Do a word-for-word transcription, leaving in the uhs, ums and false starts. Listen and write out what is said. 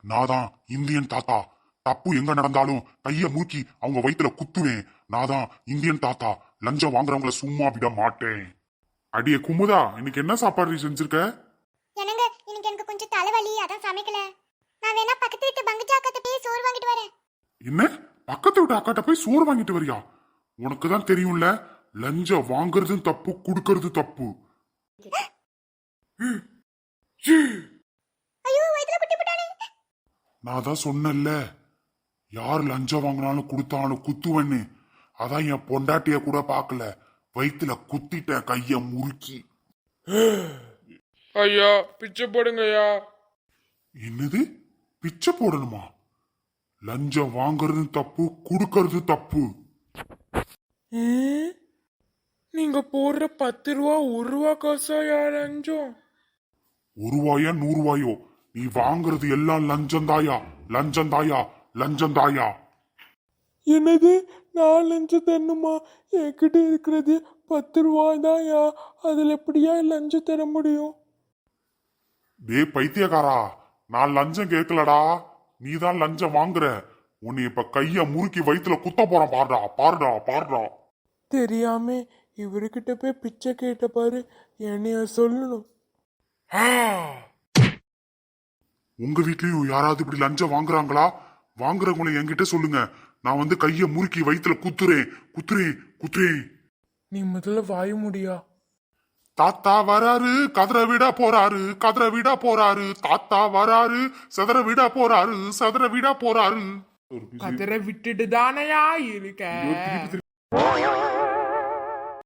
நான் தான் இந்தியன் தாத்தா. தப்பு எங்க நடந்தாலும் கைய மூக்கி அவங்க வயித்துல குத்துவேன். நான் தான் இந்தியன் தாத்தா. லஞ்சம் வாங்குறவங்கள சும்மா விட மாட்டேன். அடியே குமுதா, இன்னைக்கு என்ன சாப்பாடு செஞ்சிருக்க? என்னங்க இன்னைக்கு எனக்கு கொஞ்சம் தலைவலி, அதான் சமைக்கல. நான் வேணா பக்கத்து வீட்டு பங்குச்சா அக்காட்ட போய் சோறு வாங்கிட்டு வரேன். என்ன பக்கத்து வீட்டு அக்காட்ட போய் சோறு வாங்கிட்டு வரியா? உனக்கு தான் தெரியும்ல, லஞ்சம் வாங்குறதும் தப்பு, குடுக்கறது தப்பு. ஐயோ வயித்துல குட்டி போட்டானே. நான் தான் சொன்னேன்ல, யார் லஞ்சம் வாங்கினாலும் கொடுத்தாலும் குத்துவன்னு. அதான் என் பொண்டாட்டிய கூட பாக்கல, வயித்துல குத்திட்ட கைய முறுக்கி. ஐயா பிச்சை போடுங்க ஐயா. என்னது பிச்சை போடணுமா? லஞ்சம் வாங்குறது தப்பு, குடுக்கறது தப்பு. நீங்க போடுற பத்து ரூபா ஒரு ரூபா காசா யா லஞ்சம்? ஒரு ரூபாயா நூறு ரூபாயோ, நீ வாங்குறது எல்லாம் லஞ்சம் தாயா, லஞ்சம் தாயா, லஞ்சம் தாயா. என்னது நான் லஞ்சம் தரணுமா? என்கிட்ட இருக்கிறது பத்து ரூபாய் தான்யா, அதுல எப்படியா லஞ்சம் தர முடியும்? டே பைத்தியக்காரா, நான் லஞ்சம் கேட்கலடா, நீ தான் லஞ்சம் வாங்குற. உன்னை இப்ப கைய முறுக்கி வயித்துல குத்த போறான். பாருடா பாருடா பாருடா. தெரியாம இவர்கிட்ட போய் பிச்சை கேட்ட பாரு, என்னைய சொல்லணும். உங்க வீட்லயும் யாராவது இப்படி லஞ்சம் வாங்குறாங்களா? வாங்குறவங்களை என்கிட்ட சொல்லுங்க. நான் வந்து கைய முறுக்கி வயித்துல குத்துறேன் குத்துறேன் குத்துறேன். நீ முதல்ல வாய முடியா? தாத்தா வராரு, கதற விட போறாரு, கதற விட போறாரு. தாத்தா வராரு, சதற விட போறாரு, சதற விட போறாரு. கதற விட்டுட்டு தானையா இருக்க.